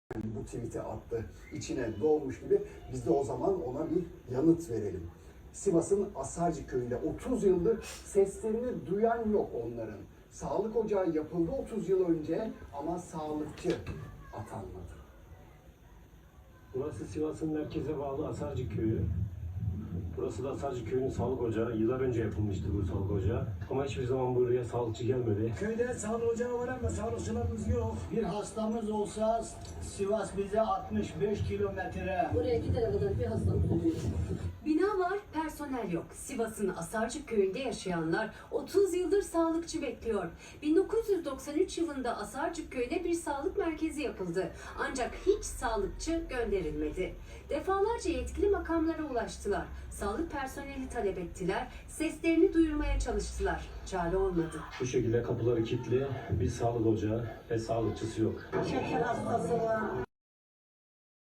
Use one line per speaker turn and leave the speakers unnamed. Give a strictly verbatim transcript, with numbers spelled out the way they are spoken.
bu tweet'i attı. İçine doğmuş gibi biz de o zaman ona bir yanıt verelim. Sivas'ın Asarcı köyünde otuz yıldır seslerini duyan yok onların. Sağlık ocağı yapıldı otuz yıl önce ama sağlıkçı atanmadı.
Burası Sivas'ın merkeze bağlı Asarcı köyü. Burası da Asarcı köyünün sağlık ocağı. Yıllar önce yapılmıştı bu sağlık ocağı. Ama hiçbir zaman buraya sağlıkçı gelmedi.
Köyde sağlık ocağı var ama sağlıkçılarımız yok.
Bir hastamız olsa Sivas bize altmış beş kilometre.
Oraya gidene kadar bir hastamız oluyor.
Bina var, personel yok. Sivas'ın Asarcık köyünde yaşayanlar otuz yıldır sağlıkçı bekliyor. bin dokuz yüz doksan üç yılında Asarcık köyüne bir sağlık merkezi yapıldı. Ancak hiç sağlıkçı gönderilmedi. Defalarca yetkili makamlara ulaştılar. Sağlık personeli talep ettiler. Seslerini duyurmaya çalıştılar. Çare olmadı.
Bu şekilde kapıları kilitli, bir sağlık ocağı ve sağlıkçısı yok.
Şeker hastası var,